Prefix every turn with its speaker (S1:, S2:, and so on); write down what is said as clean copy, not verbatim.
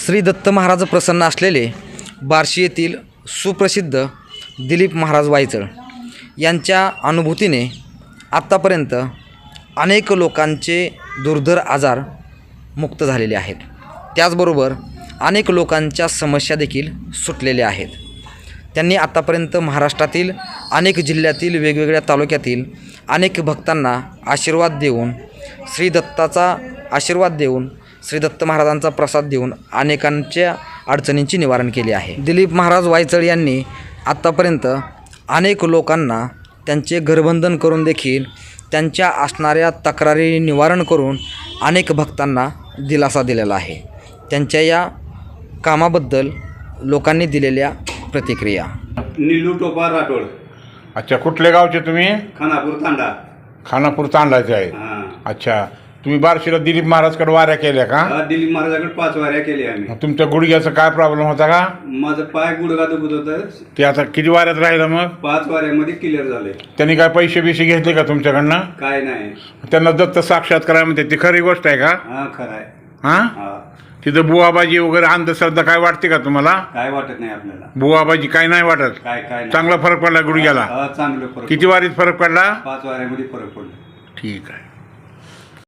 S1: श्री दत्त महाराज प्रसन्न असलेले बार्शी येथील सुप्रसिद्ध दिलीप महाराज वायचळ यांच्या अनुभूतीने आत्तापर्यंत अनेक लोकांचे दुर्धर आजार मुक्त झालेले आहेत। त्याचबरोबर अनेक लोकांच्या समस्या देखील सुटलेल्या आहेत। त्यांनी आत्तापर्यंत महाराष्ट्रातील अनेक जिल्ह्यातील वेगवेगळ्या तालुक्यातील अनेक भक्तांना आशीर्वाद देऊन श्री दत्ताचा आशीर्वाद देऊन श्री दत्त महाराजांचा प्रसाद देऊन अनेकांच्या अडचणींची निवारण केले आहे। दिलीप महाराज वायचळ यांनी आत्तापर्यंत अनेक लोकांना त्यांचे घरबंधन करून देखील त्यांच्या असणाऱ्या तक्रारी निवारण करून अनेक भक्तांना दिलासा दिलेला आहे। त्यांच्या या कामाबद्दल लोकांनी दिलेल्या प्रतिक्रिया।
S2: नीलू टोपा राठोड।
S3: अच्छा, कुठले गावचे तुम्ही?
S2: खानापूर तांडा।
S3: खानापूर तांडाचे आहे। अच्छा, तुम्ही बार्शीला दिलीप महाराजकडे वाऱ्या केल्या का?
S2: दिलीप महाराजाकडे 5 वाऱ्या केल्या आम्ही।
S3: तुमच्या गुडघ्याचा काय प्रॉब्लेम होता का?
S2: माझं पाय गुडघा दुखत होतं।
S3: ते आता किती वाऱ्यात राहिलं मग?
S2: 5 वाऱ्यामध्ये क्लिअर झाले।
S3: त्यांनी काय पैसे बिशे घेतले का तुमच्याकडनं?
S2: काय नाही।
S3: त्यांना दत्त साक्षात्कार म्हणते, ती खरी गोष्ट आहे का?
S2: खरं आहे।
S3: हां, तिथं बुवाबाजी वगैरे अंधश्रद्धा काय वाटते का तुम्हाला?
S2: काय वाटत नाही आपल्याला।
S3: बुवाबाजी काय नाही वाटत?
S2: काय
S3: चांगला फरक पडला गुडघ्याला?
S2: चांगलं फरक।
S3: किती वारीत फरक पडला?
S2: 5 वाऱ्यामध्ये फरक पडला।
S3: ठीक आहे।